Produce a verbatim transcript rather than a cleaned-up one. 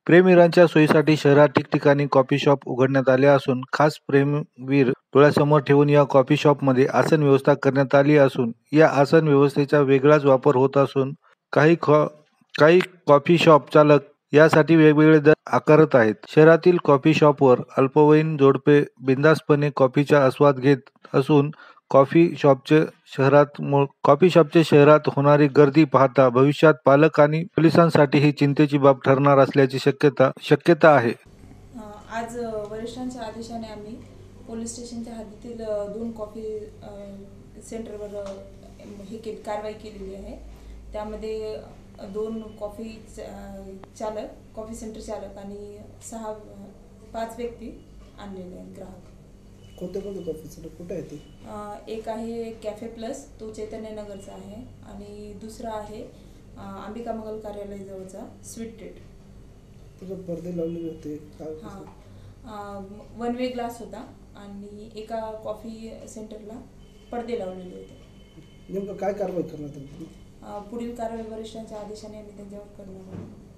प्रेमीवीरांच्या सोयीसाठी शहरात ठिकठिकाणी कॉफी शॉप उघडण्यात आले असून खास प्रेमवीर डोळ्यासमोर ठेवून या कॉफी शॉपमध्ये आसन व्यवस्था करण्यात आली असून या आसन व्यवस्थेचा वेगळाच वापर होत असून काही खॉ काही कॉफी शॉप चालक यासाठी वेगवेगळे दर आकारत आहेत. शहरातील कॉफी शॉपवर अल्पवयीन जोडपे बिनधास्तपणे कॉफीचा आस्वाद घेत असून कॉफी शॉपचे शहरात कॉफी शॉपचे शहरात होणारी गर्दी पाहता भविष्यात पालक आणि पोलिसांसाठी ही चिंतेची बाब ठरणार असल्याची शक्यता शक्यता आहे. आज वरिष्ठांच्या आदेशाने आम्ही पोलीस स्टेशनच्या हद्दीतील दोन कॉफी सेंटरवर हे केली कारवाई केलेली आहे. त्यामध्ये दोन कॉफी चालक कॉफी सेंटर चालक आणि सहा पाच व्यक्ती आणलेले आहेत ग्राहक. कोणते कोणते कॉफी सेंटर कुठे आहे ते? एक आहे कॅफे प्लस, तो चैतन्यनगरचा आहे, आणि दुसरा आहे अंबिका मंगल कार्यालय जवळचा स्वीट ट्रीट. तुझं पडदे लावलेले होते? हां, वन वे ग्लास होता आणि एका कॉफी सेंटरला पडदे लावलेले होते. नेमकं काय कारवाई करण्यात आली? पुढील कारवाई वरिष्ठांच्या आदेशाने आम्ही त्यांच्यावर करणार आहोत.